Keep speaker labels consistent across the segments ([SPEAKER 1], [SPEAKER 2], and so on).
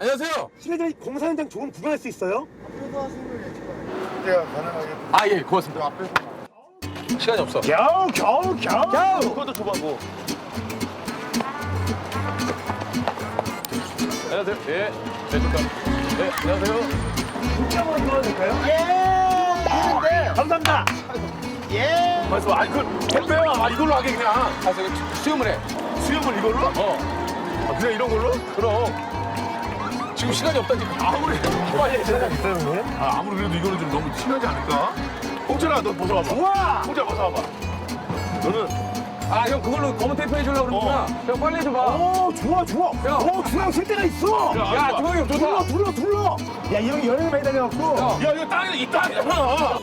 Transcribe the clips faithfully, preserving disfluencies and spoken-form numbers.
[SPEAKER 1] 안녕하세요.
[SPEAKER 2] 실례지만 공사 현장 조금 구경할 수 있어요?
[SPEAKER 3] 앞에서 하시는 걸 찍어요. 제가 가능하게.
[SPEAKER 1] 아, 예, 고맙습니다.
[SPEAKER 3] 앞에서.
[SPEAKER 1] 시간이 없어.
[SPEAKER 2] 겨우 겨우 겨우 겨우
[SPEAKER 1] 그것도 줘봐고. 안녕하세요. 예, 네, 좋다. 네, 안녕하세요.
[SPEAKER 2] 진짜 한번 들어도 될까요?
[SPEAKER 3] 예. 되는데.
[SPEAKER 2] 감사합니다.
[SPEAKER 3] 예.
[SPEAKER 1] 말씀, 아니, 그, 택배야. 아, 이걸로 하게, 그냥. 아, 저기, 수염을 해.
[SPEAKER 2] 수염을 이걸로?
[SPEAKER 1] 어.
[SPEAKER 2] 아, 그냥 이런 걸로?
[SPEAKER 1] 그럼. 지금 시간이 없다니까. 아무리. 빨리 해.
[SPEAKER 2] 있어요 형님?
[SPEAKER 1] 아, 아무리 그래도 이거는 좀 너무 심하지 않을까? 홍철아, 너 벗어와봐.
[SPEAKER 2] 우와!
[SPEAKER 1] 홍철아, 벗어와봐. 너는. 아, 형, 그걸로 검은 테이프 해주려고 그러는구나. 형, 빨리 해줘봐.
[SPEAKER 2] 오 좋아 좋아.
[SPEAKER 1] 야.
[SPEAKER 2] 오 중앙 쓸 데가 있어.
[SPEAKER 1] 야, 야, 조용히 형,
[SPEAKER 2] 둘러
[SPEAKER 1] 좋다.
[SPEAKER 2] 둘러 둘러. 야 이 형이 여행을 많이 다녀갖고.
[SPEAKER 1] 야, 야, 이거 땅에 이 땅이잖아.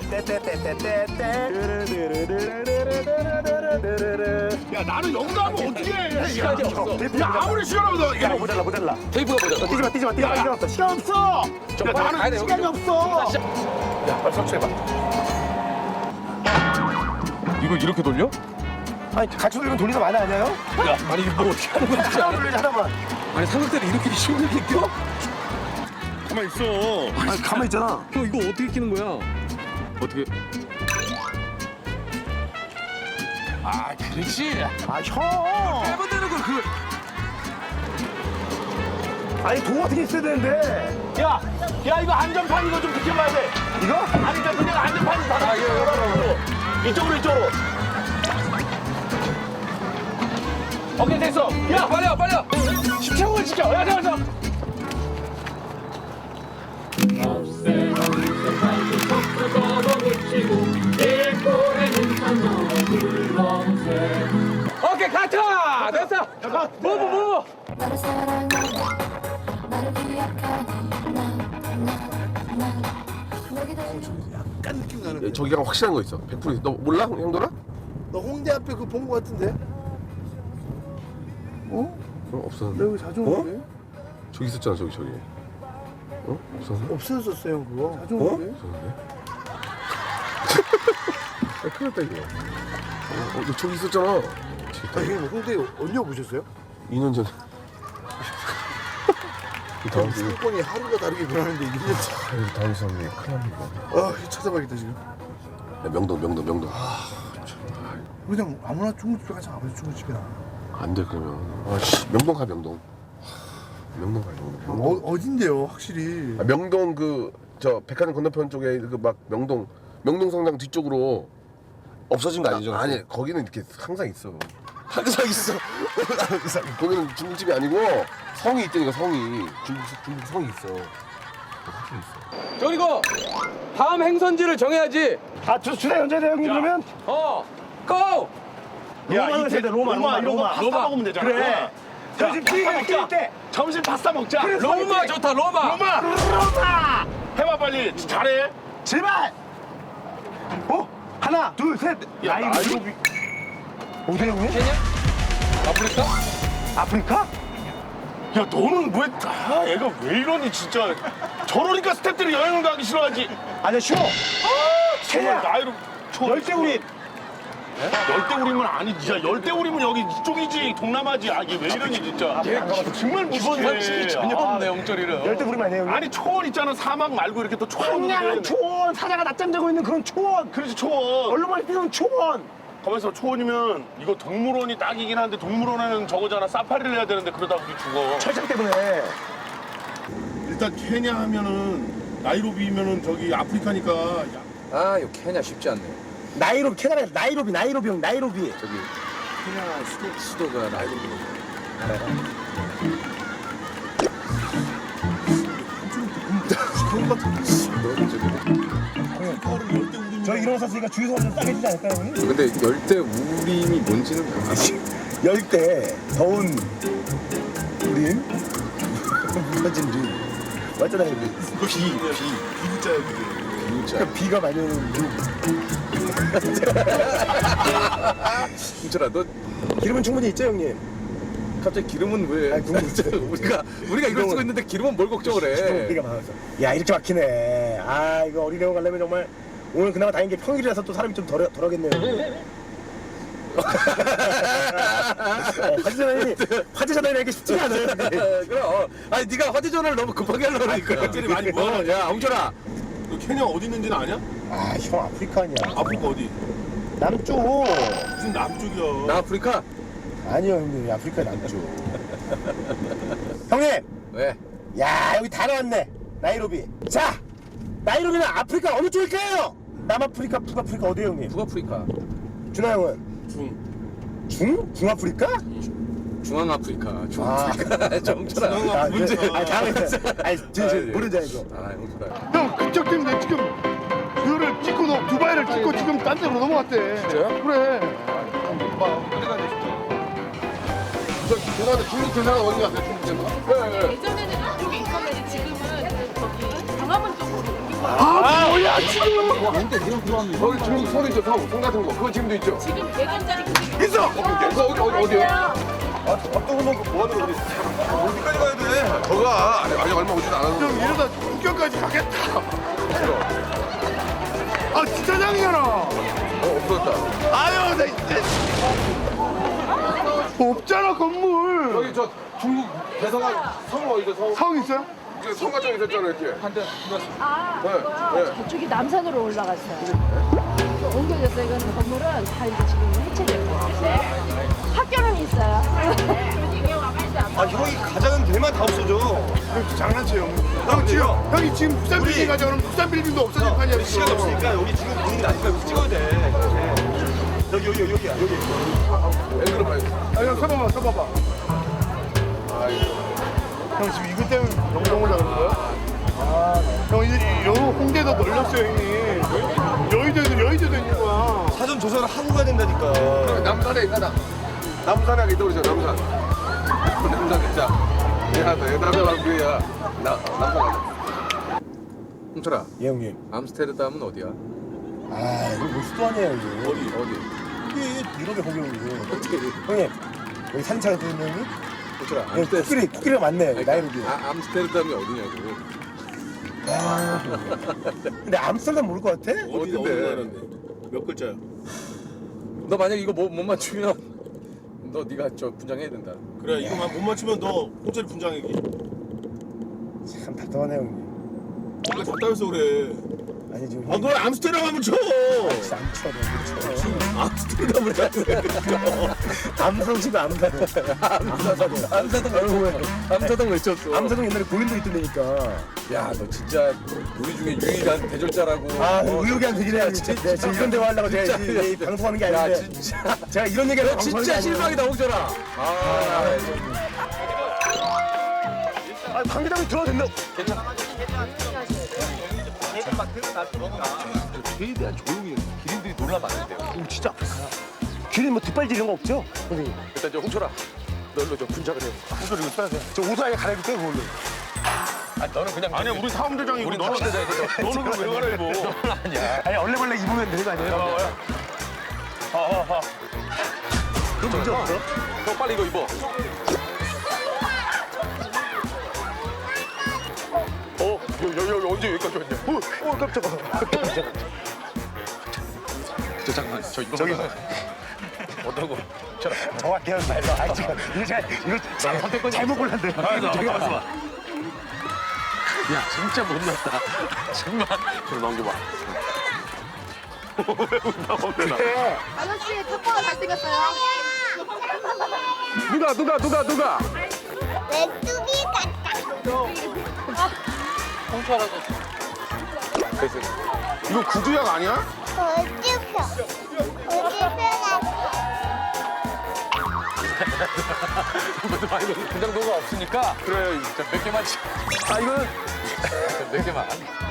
[SPEAKER 1] 야, 나는 여기다 하면 어떻게 해?
[SPEAKER 2] 시간이
[SPEAKER 1] 야,
[SPEAKER 2] 없어.
[SPEAKER 1] 야, 아무리 시원하면
[SPEAKER 2] 야 모자라 모자라.
[SPEAKER 1] 테이프가 모자라.
[SPEAKER 2] 뛰지 마 뛰지 마 뛰지 마.
[SPEAKER 1] 야, 야.
[SPEAKER 2] 시간 없어 시간 없어.
[SPEAKER 1] 저
[SPEAKER 2] 야,
[SPEAKER 1] 빨리
[SPEAKER 2] 나는
[SPEAKER 1] 가야 돼,
[SPEAKER 2] 시간이
[SPEAKER 1] 여기.
[SPEAKER 2] 없어.
[SPEAKER 1] 야, 빨리 설치해봐. 이걸 이렇게 돌려?
[SPEAKER 2] 아니 같이 돌리면 돌리는 거 많이 아니에요?
[SPEAKER 1] 야, 아니 이거 뭐 어떻게 하는 거야?
[SPEAKER 2] 하나만 돌리지 하나만.
[SPEAKER 1] 아니 삼각대를 이렇게 힘들게 껴?
[SPEAKER 4] 가만 있어.
[SPEAKER 2] 아니 가만 있잖아.
[SPEAKER 1] 형 이거 어떻게 끼는 거야? 어떻게? 아, 그렇지.
[SPEAKER 2] 아 형.
[SPEAKER 1] 빼면 되는 걸 그.
[SPEAKER 2] 아니 도 어떻게 있어야 되는데.
[SPEAKER 1] 야, 야 이거 안전판 이거 좀 지켜봐야 돼.
[SPEAKER 2] 이거?
[SPEAKER 1] 아니 나 그냥 안전판 다. 아, 이거 이쪽으로 이쪽으로. 오케이 됐어. 야 빨리 와 빨리 와. 십창을 지켜. 야 잠깐 잠깐. 오케이 카트 됐어. 무브 무브.
[SPEAKER 5] 나를 사랑하니 나를 기억하니 나나나 내게 더
[SPEAKER 4] 약간 느낌 나는데.
[SPEAKER 6] 저기가 확실한 거 있어. 백 퍼센트. 너 몰라? 형들아?
[SPEAKER 4] 너 홍대 앞에 그거 본 거 같은데? 어?
[SPEAKER 6] 어, 없었는데.
[SPEAKER 4] 내가 여기 자주 오는데?
[SPEAKER 6] 저기 있었잖아, 저기, 저기. 어? 없었는데?
[SPEAKER 4] 없어졌어요 그거. 자주
[SPEAKER 6] 어?
[SPEAKER 4] 오는데?
[SPEAKER 6] 없었는데? 야, 큰일 났다, 이거. 어, 어, 너 저기 있었잖아.
[SPEAKER 4] 아 형님 홍대 언제 오셨어요?
[SPEAKER 6] 이 년 전에. 이 다음 주.
[SPEAKER 4] 상권이 하루가 다르게 변하는데 일 년 차.
[SPEAKER 6] 이 다음 주에 큰일 납니다.
[SPEAKER 4] 아 찾아봐야겠다 지금.
[SPEAKER 6] 야, 명동, 명동, 명동.
[SPEAKER 4] 그냥 아무나 중국집에 가자. 아무나 중국집이나.
[SPEAKER 6] 안 돼, 그러면. 아, 씨. 명동 가, 명동. 명동 가, 명동.
[SPEAKER 4] 어, 어딘데요 확실히.
[SPEAKER 6] 아, 명동 그, 저, 백화점 건너편 쪽에 그 막 명동, 명동 성당 뒤쪽으로 없어진 거 아니죠? 아니, 거기는 이렇게 항상 있어. 항상 있어. 항상. 거기는 중국집이 아니고 성이 있다니까, 성이. 중국, 중국 성이 있어. 확실히 있어.
[SPEAKER 1] 그리고 다음 행선지를 정해야지.
[SPEAKER 2] 아 주, 주사 연재돼 형님 그러면?
[SPEAKER 1] 어, 고!
[SPEAKER 2] 로마를 해야 돼 로마 로마 로마.
[SPEAKER 1] 파스타 먹으면 되잖아.
[SPEAKER 2] 그래. 저 지금 끼리가 먹자. 때.
[SPEAKER 1] 점심 파스타 먹자.
[SPEAKER 2] 그래,
[SPEAKER 1] 로마
[SPEAKER 2] 스파게티.
[SPEAKER 1] 좋다, 로마.
[SPEAKER 2] 로마 로마.
[SPEAKER 1] 해봐 빨리. 잘해.
[SPEAKER 2] 제발. 어? 하나 둘 셋.
[SPEAKER 1] 야,
[SPEAKER 2] 나이로비. 어디에 형님?
[SPEAKER 1] 케냐? 아프리카?
[SPEAKER 2] 아프리카?
[SPEAKER 1] 야 너는 왜? 아 애가 왜 이러니 진짜. 저러니까 스태프들이 여행을 가기 싫어하지.
[SPEAKER 2] 아니야 쉬워.
[SPEAKER 1] 정말
[SPEAKER 2] 케냐.
[SPEAKER 1] 나이로 초.
[SPEAKER 2] 열대우리.
[SPEAKER 1] 열대우리면 아니지. 야 열대우리면 여기 이쪽이지. 동남아지. 아 이게 왜 이러니 진짜. 얘 정말 무서운 상식이 전혀 없네 영철이는.
[SPEAKER 2] 열대우리만 아니에요 형님?
[SPEAKER 1] 아니 초원 있잖아. 사막 말고 이렇게 또 초원.
[SPEAKER 2] 황량한 초원 사자가 낮잠 자고 있는 그런 초원.
[SPEAKER 1] 그렇지 초원.
[SPEAKER 2] 얼룩말이 뛰는 초원.
[SPEAKER 1] 가만있어. 초원이면 이거 동물원이 딱이긴 한데 동물원에는 저거잖아. 사파리를 해야 되는데 그러다 우리 죽어.
[SPEAKER 2] 철창 때문에.
[SPEAKER 4] 일단 케냐 하면은 나이로비면은 저기 아프리카니까. 야,
[SPEAKER 7] 아, 이거 케냐 쉽지 않네.
[SPEAKER 2] 나이로비 케냐라 나이로비 나이로비 형 나이로비.
[SPEAKER 7] 저기 케냐 수도, 수도가 나이로비거든.
[SPEAKER 2] 저 이런 거 샀으니까 주유소 좀 싸게 주지 않을까요 형님?
[SPEAKER 7] 근데 열대 우림이 뭔지는 알아.
[SPEAKER 2] 열대 더운 우림 무너진 림 맞잖아요 비,
[SPEAKER 4] 비, 비, 비자야 그게.
[SPEAKER 7] 진짜.
[SPEAKER 2] 비가 많이 오는 림
[SPEAKER 7] 진짜라, 너
[SPEAKER 2] 기름은 충분히 있죠 형님?
[SPEAKER 7] 갑자기 기름은 왜?
[SPEAKER 2] 아니, 궁금했어요.
[SPEAKER 7] 우리가 우리가 이걸 쓰고 있는데 기름은 뭘 걱정을 해?
[SPEAKER 2] 비가 많아서 야 이렇게 막히네. 아 이거 어린이용 가려면 정말 오늘 그나마 다행인 게 평일이라서 또 사람이 좀 덜, 덜하겠네요. 어, 화재 전환이 화재 전환이 이렇게 쉽지가 않아요.
[SPEAKER 7] 그럼 아니 네가 화재 전화를 너무 급하게 하려고 그러니까
[SPEAKER 1] 갑자기 많이 모아.
[SPEAKER 7] 어, 야 홍철아
[SPEAKER 1] 너 케냐 어디 있는지는 아냐?
[SPEAKER 2] 아, 형 아프리카 아니야.
[SPEAKER 1] 아프리카 어디?
[SPEAKER 2] 남쪽.
[SPEAKER 1] 무슨 남쪽이야?
[SPEAKER 7] 나 아프리카
[SPEAKER 2] 아니요, 형님. 아프리카 남쪽. 형님.
[SPEAKER 7] 왜?
[SPEAKER 2] 야, 여기 다 나왔네. 나이로비. 자, 나이로비는 아프리카 어느 쪽일까요? 남아프리카, 북아프리카 어디에요, 형님?
[SPEAKER 7] 북아프리카
[SPEAKER 2] 준하 형은
[SPEAKER 1] 중.
[SPEAKER 2] 중? 중아프리카?
[SPEAKER 7] 중앙아프리카 중앙아프리카 저 홍철아
[SPEAKER 2] 아,
[SPEAKER 1] 문제.
[SPEAKER 2] 그, 아, 다음에. 아니, 저, 저, 모르는 줄 알고.
[SPEAKER 7] 아 홍철아
[SPEAKER 3] 형 그쪽 때문에 지금 그거를 찍고 너 두바이를 찍고 지금 딴 데로 넘어갔대.
[SPEAKER 6] 진짜요?
[SPEAKER 3] 그래.
[SPEAKER 6] 저 죄송한데 중국 대사가 어디 갔어요? 중국 대사가? 네, 네.
[SPEAKER 8] 예전에는 이쪽에 있었는데 지금은 저기 광화문 쪽으로 옮긴 거예요.
[SPEAKER 6] 아 뭐야 지금? 거기 중국 성 있죠 성, 성 같은 거 그거 지금도 있죠?
[SPEAKER 8] 지금 백 원짜리 그게
[SPEAKER 6] 있어! 그거 어디 어디 어디요?
[SPEAKER 3] 어디까지 가야 돼?
[SPEAKER 6] 저가 아직, 아직 얼마 오지도 않았는데
[SPEAKER 3] 형 이러다 국경까지 가겠다. 아 진짜 장이잖아.
[SPEAKER 6] 어 없어졌다
[SPEAKER 3] 아유 나 진짜. 없잖아 건물.
[SPEAKER 6] 여기 저 중국 대사가 성 어디죠 성?
[SPEAKER 3] 성 있어요?
[SPEAKER 6] 이게 성 같은 거 있었잖아요 이렇게
[SPEAKER 8] 아,
[SPEAKER 6] 네,
[SPEAKER 8] 그거요?
[SPEAKER 6] 네.
[SPEAKER 8] 저쪽이 남산으로 올라갔어요. 옮겨졌어요. 이건 건물은 다 이제 지금 해체됐고. 학교는 있어요.
[SPEAKER 2] 아, 형이 가자는 데만 다 없어져.
[SPEAKER 3] 형 장난쳐요 형. 형 지금 형이 지금 국산 빌딩 가져오면 국산 빌딩도 없어질 판이야. 지금.
[SPEAKER 2] 시간이 없으니까 여기 지금 분위기 나니까 여기 찍어야 돼. 여기, 여기, 여기야, 여기.
[SPEAKER 6] 앵글로 봐요
[SPEAKER 3] 아형 서봐봐 서봐봐. 형 지금 이것 때문에 영동 올라 그런 거야? 아, 형 이제 여 홍대도 널렸어요 형님. 여의도에도 여의도도 있는 거야.
[SPEAKER 2] 사전 조사를 하고 가야 된다니까.
[SPEAKER 6] 남산에 있잖아 남산에 하기 떠오르죠 남산 남산 진짜 미안하다 남산 왕비야 나 남산 가자
[SPEAKER 7] 홍철아
[SPEAKER 2] 예, 형님.
[SPEAKER 7] 암스테르담은 어디야?
[SPEAKER 2] 아, 이거 뭐 수도 아니에요, 여기.
[SPEAKER 7] 어디 어디?
[SPEAKER 2] 여기 유럽에 거기 오고.
[SPEAKER 7] 어떻게
[SPEAKER 2] 형님, 여기 사진 찾아서 형님?
[SPEAKER 7] 홍철아
[SPEAKER 2] 여기
[SPEAKER 7] 암스테르
[SPEAKER 2] 코끼리, 코끼리가 많네, 여기 나이로비.
[SPEAKER 7] 아, 암스테르담이 어디냐고
[SPEAKER 2] 근데 암스테르담 모를 것 같아?
[SPEAKER 1] 어디 어디 나라인데? 몇 글자야?
[SPEAKER 7] 너 만약 이거 못, 못 맞추면 너 네가 저 분장해야 된다
[SPEAKER 1] 그래 이거만 못 맞추면 너 호텔 분장이기.
[SPEAKER 2] 참 답답하네, 형님.
[SPEAKER 1] 뭔가 답답해서 그래.
[SPEAKER 2] 아니, 지금.
[SPEAKER 1] 아, 너 암스테르담 하면 쳐.
[SPEAKER 2] 진짜 안 쳐, 너무 쳐.
[SPEAKER 1] 암스테르담을 해.
[SPEAKER 2] 암성씨가 암사동. 암사동.
[SPEAKER 7] 암사동 외쳤어 암사동 외쳤어
[SPEAKER 2] 암사동 옛날에 고인도 있던 데니까.
[SPEAKER 7] 야 너 진짜 우리 중에 유일한 대절자라고
[SPEAKER 2] 아,
[SPEAKER 7] 어,
[SPEAKER 2] 의욕이 안 되긴 해요. 진짜. 네, 지금 이런 대화 하려고 제가
[SPEAKER 7] 진짜.
[SPEAKER 2] 이, 이 방송하는 게
[SPEAKER 7] 야
[SPEAKER 2] 아닌데.
[SPEAKER 7] 진짜
[SPEAKER 2] 제가 이런 얘기를
[SPEAKER 7] 너 진짜 실망이다 홍철아 아
[SPEAKER 2] 아, 방기장이 들어도 된다.
[SPEAKER 1] 최대한 조용히 기린들이 놀라면 안 돼요.
[SPEAKER 2] 오, 진짜 아프다. 귀는 뭐 뒷발질 이런 거 없죠? 선생님.
[SPEAKER 7] 일단 저 홍철아 널로 저 분장을 해
[SPEAKER 2] 옷을 이거 써야 돼. 저 옷을 아예 갈아입을게요, 그걸로.
[SPEAKER 7] 아 너는 그냥
[SPEAKER 1] 아니야 우리 사무대장이고
[SPEAKER 7] 우리
[SPEAKER 1] 너는
[SPEAKER 7] 사무대장이거든.
[SPEAKER 1] 너는 그럼 왜 갈아입어?
[SPEAKER 7] 너는 아니야
[SPEAKER 2] 아니, 얼레벌레 입으면 되는 거 아니에요? 그럼 문제 없어?
[SPEAKER 7] 형 빨리 이거 입어 어? 여기 여기 언제 여기까지 왔냐
[SPEAKER 2] 오, 오, 깜짝아. 깜짝아.
[SPEAKER 7] 저 잠깐만 저 이거
[SPEAKER 2] 저기.
[SPEAKER 7] 어떠고
[SPEAKER 2] 정확해요, 말로. 아, 지금. 이거 제가, 이거 잘, 선택권 잘못 골랐는데. 저기 가만있어 봐.
[SPEAKER 1] 야 진짜 못났다. 정말 좀 넘겨봐.
[SPEAKER 8] 아저씨 탁구가 잘생겼어요.
[SPEAKER 7] 누가 누가 누가 누가
[SPEAKER 5] 메뚜기 같다.
[SPEAKER 7] 그래서
[SPEAKER 1] 이거 구두약 아니야?
[SPEAKER 5] 우주표. 우주표 같다.
[SPEAKER 7] 무슨 말 이거 분장도가 없으니까 그래 몇 개만 치- 아 이거는 몇 개만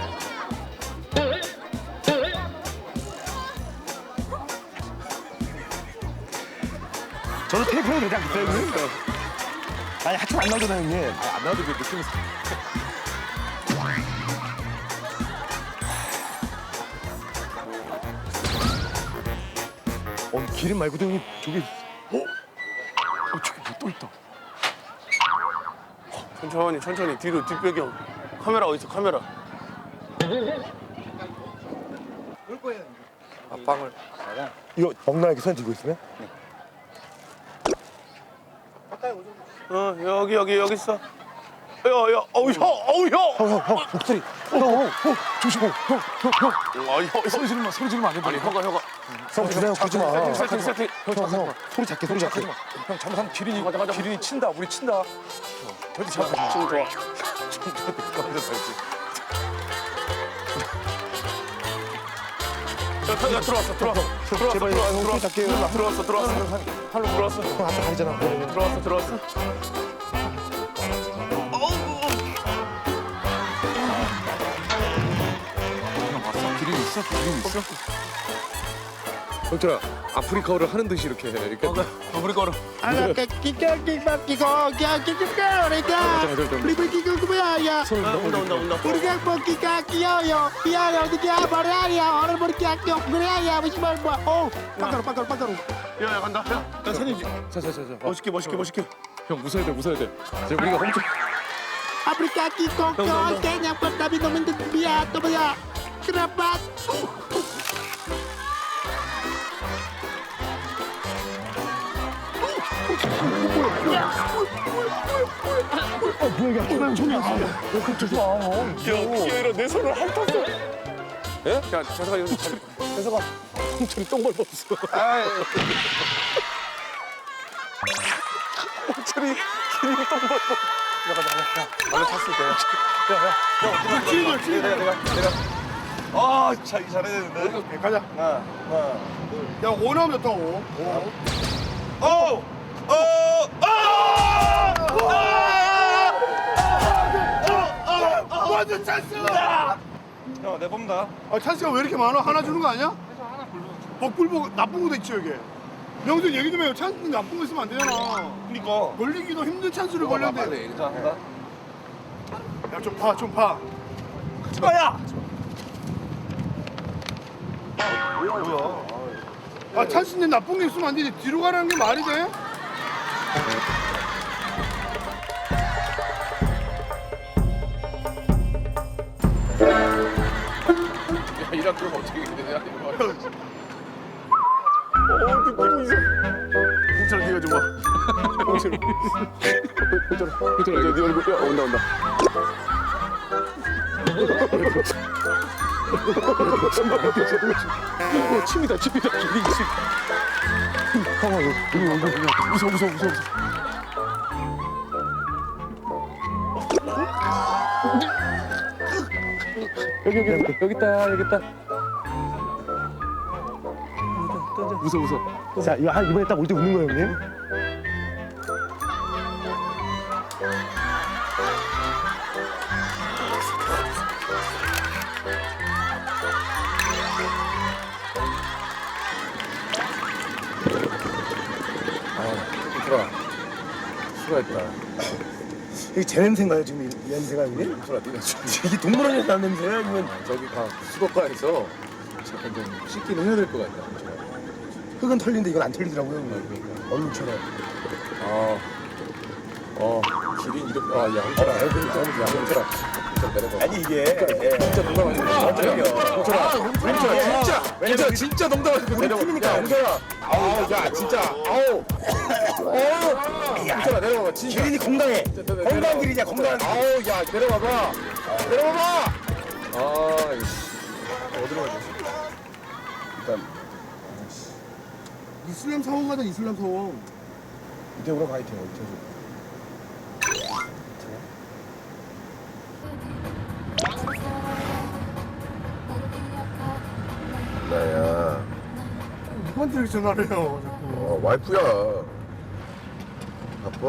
[SPEAKER 2] 저도 테이프로 되지 않겠어요, 형님? 아니, 하여튼 안 나오잖아요, 형님.
[SPEAKER 7] 아, 안 나와도 그 느낌이
[SPEAKER 2] 어, 기름 말고도 형님, 저기. 어? 어, 저기 뭐 또 있다.
[SPEAKER 1] 천천히 천천히 뒤로 뒷배경. 카메라 어디 있어 카메라?
[SPEAKER 7] 아, 빵을.
[SPEAKER 2] 이거 먹나 이렇게 손 들고 있으면?
[SPEAKER 1] 어 여기 여기 여기 있어. 야야 어우 형 어우 형.
[SPEAKER 2] 형형 목소리. 형 조심해.
[SPEAKER 1] 아 형.
[SPEAKER 7] 소리 지르면 소리 지르면 안 된다. 아니 혀가 혀가.
[SPEAKER 2] 형 주세요. 그러지 마.
[SPEAKER 7] 세팅 세팅 세팅. 형
[SPEAKER 2] 형,
[SPEAKER 7] 잠깐만.
[SPEAKER 2] 형 소리 작게 소리 작게.
[SPEAKER 7] 형 잘못하면 기린이 기린이 친다. 우리 친다. 절대 잘못.
[SPEAKER 1] 지금 좋아. 야, 야 들어왔어 들어왔어 들어왔어
[SPEAKER 2] 제발
[SPEAKER 1] 들어왔어
[SPEAKER 2] 형 소리 작게.
[SPEAKER 1] 들어왔어 들어왔어 팔로 들어왔어
[SPEAKER 2] 형 앞에 가리잖아.
[SPEAKER 1] 들어왔어 들어왔어.
[SPEAKER 7] 형 왔어? 기린 있어? 기린 있어? 형들아 아프리카어를 하는 듯이 이렇게 해. 이렇게.
[SPEAKER 1] 우리 거로. 온다 온다 온다. 야야 간다. 야, 나 사진 찍.
[SPEAKER 7] 자자자자.
[SPEAKER 1] 멋있게 멋있게 멋있게.
[SPEAKER 7] 형 웃어야 돼 웃어야 돼. 이제 우리가 홈트.
[SPEAKER 5] Afrika Kiko Kiko Kenya Tapi Nomen Dia Tobaya Kenapa
[SPEAKER 1] 야 기어이라 내 손을 핥았어.
[SPEAKER 7] 예? 야 자자가 여기 잘.
[SPEAKER 1] 대서가 홍철이 똥 밟았어. 홍철이 기린이 똥 밟았어. 야 가자 야 원래 탔을 때. 야야야
[SPEAKER 3] 기린이야 기린.
[SPEAKER 1] 내가 내가 내가. 아 자기 잘해야 되는데.
[SPEAKER 3] 가자.
[SPEAKER 1] 하나 하나.
[SPEAKER 3] 야 오 나오면 또 오.
[SPEAKER 1] 어! 어! 아!
[SPEAKER 3] 완전 찬스.
[SPEAKER 1] 야, 내 뽑는다.
[SPEAKER 3] 아 찬스가 왜 이렇게 많아? 하나 주는 거 아니야? 복불복 나쁜 것도 있지 여기. 명준 얘기 좀 해요. 찬스 나쁜 거 있으면 안 되잖아.
[SPEAKER 1] 그니까.
[SPEAKER 3] 걸리기도 힘든 찬스를 걸렸는데.
[SPEAKER 1] 빨리. 자, 한다.
[SPEAKER 3] 야좀 봐, 좀 봐.
[SPEAKER 1] 야!
[SPEAKER 3] 아 찬스인데 나쁜 게 있으면 안 되지. 뒤로 가라는 게 말이 돼?
[SPEAKER 7] 야 이랑 그럼 어떻게 되냐 이거.
[SPEAKER 1] 어, 느낌이 있어. 홍철 네가 좀 와. 홍철. 홍철. 홍철 네 얼굴. 야, 온다 온다. 어, 침이다 침이다. 기린 침. 무서워 무서워 무서워.
[SPEAKER 7] 여기 여기 여기 여기 있다 여기 있다. 무서워 무서워.
[SPEAKER 2] 자 이거 한 이번에 딱 올 때 웃는 거예요 형님.
[SPEAKER 6] 얘들아 수고했다.
[SPEAKER 2] 이게 제 냄새인가요 지금 이 냄새가 이게?
[SPEAKER 6] 얘들아 네가 지금
[SPEAKER 2] 이게 동물원에서 나는 냄새야 아니면
[SPEAKER 7] 저기 가 수도가에서 잠깐 좀 씻기는 해야 될 것 같다.
[SPEAKER 2] 흙은 털리는데 이건 안 털리더라고요 형님. 얼음처럼.
[SPEAKER 7] 아, 어, 기린 이렇게. 아, 야, 홍철아, 야, 홍철아, 홍철아 내려가.
[SPEAKER 2] 아니 이게 예.
[SPEAKER 7] 진짜 농담 아니고. 홍철아, 홍철아, 진짜, 홍철아, 진짜 농담 아니고 내려가.
[SPEAKER 2] 팀이니까.
[SPEAKER 7] 야, 홍철아, 아우, 야, 진짜, 아우, 아우, 홍철아 내려가봐, 진짜.
[SPEAKER 2] 기린이 건강해.
[SPEAKER 7] 내려가.
[SPEAKER 2] 건강 기린이야 건강.
[SPEAKER 7] 아우, 야, 내려가봐, 내려가봐. 아, 이씨, 어디로 가지?
[SPEAKER 6] 일단
[SPEAKER 3] 이슬람 사원 가자 이슬람 사원.
[SPEAKER 2] 이태우로 가 이태우 이태우.
[SPEAKER 6] 나야.
[SPEAKER 3] 누구한테 이렇게 전화를 해요 자꾸.
[SPEAKER 6] 어, 와이프야. 바빠?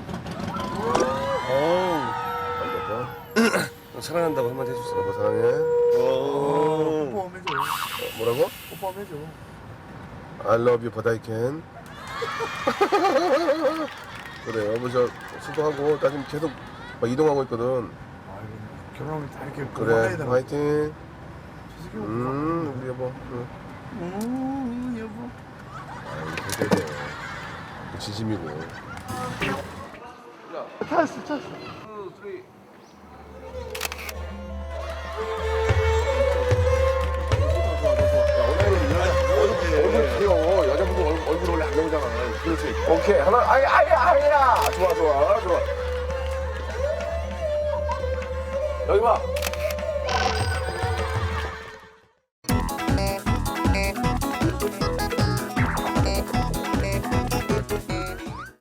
[SPEAKER 2] 어우.
[SPEAKER 6] 안 바빠? 너 사랑한다고 한마디 해줬어. 여보 사랑해.
[SPEAKER 3] 오빠 한번 해줘.
[SPEAKER 6] 어, 뭐라고?
[SPEAKER 3] 오빠 한번 해줘.
[SPEAKER 6] I love you, but I can. 그래, 여보 저 수고하고 나 지금 계속 막 이동하고 있거든.
[SPEAKER 3] 결혼하면 다 이렇게
[SPEAKER 6] 그래,
[SPEAKER 3] 건강하게
[SPEAKER 6] 화이팅.
[SPEAKER 3] 음.
[SPEAKER 6] 음, 우리 여보. 응.
[SPEAKER 3] 음, 여보.
[SPEAKER 6] 아이, 그래. 진심이고.
[SPEAKER 3] 찬스 찬스.
[SPEAKER 7] 야, 오늘 일어나.
[SPEAKER 6] 오케이 하나 아이 아이 아이야 좋아 좋아 좋아 여기 봐